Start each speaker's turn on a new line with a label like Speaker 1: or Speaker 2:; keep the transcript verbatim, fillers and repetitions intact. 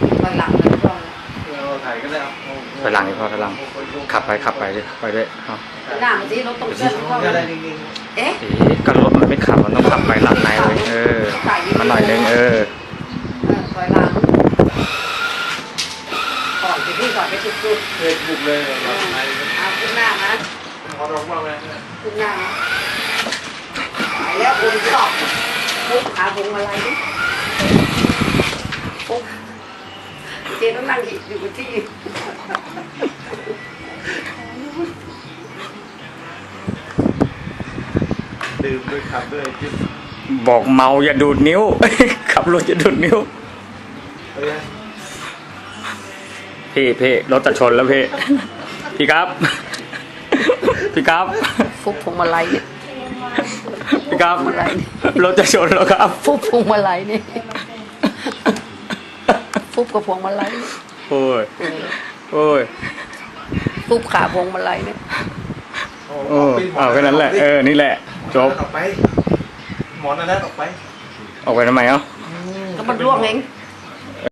Speaker 1: ถอยหลังเลยพ่อ
Speaker 2: เราถ่ายก็ได้เอา
Speaker 3: ถอยหลังดิพ่อถอยหลังขับไปขับไปดิไปด้วยเอา
Speaker 1: หน้ามันสิรถตรงเส้นพ่อ
Speaker 2: ก็ได้จริง
Speaker 1: เอ๊ะ
Speaker 3: เอ๊ะก็รถมันไม่ขับมันต้องขับไปหลังในเลยเออมาหน่อยนึงเออ
Speaker 1: เออถอยหลังก่อนไปที่ก่อนไปจุดจุด
Speaker 2: ๆเคยบุกเลยเราถ่าย
Speaker 1: เอาขึ้นหน้านะ
Speaker 2: ขอร้องว่าไง
Speaker 1: ขึ้นหน้านะไปแล้วคนชอบปุ๊บขาพวงมาลัยดิปุ๊บเจต้องนั่งอยู่กับที่
Speaker 2: ดื่มด้วยขับด้วยจิ๊บ
Speaker 3: บอกเมาอย่าดูดนิ้ว ขับรถอย่าดูดนิ้ว
Speaker 2: เฮ้ย
Speaker 3: พี่พี่รถจะชนแล้วพี่ พี่ครับ พี่ครับ
Speaker 1: ฟุบพวงมาลัยเนี่ย
Speaker 3: พี่ครับ
Speaker 1: อะไร
Speaker 3: รถจะชนแล้วครับ
Speaker 1: ฟุบพวงมาลัยนี่ฟุบกับพวงมาลัย
Speaker 3: โอ้ยโอ้ย
Speaker 1: ฟุบขาพวงมาลัยเนี่ย
Speaker 3: โอ้เอาแค่นั้นแหละเออนี่แหละจบ
Speaker 2: ออกไปหมอนอันนั้นออกไป
Speaker 3: ออกไปทำไมเอ้า
Speaker 1: ก็มันร่วงเอง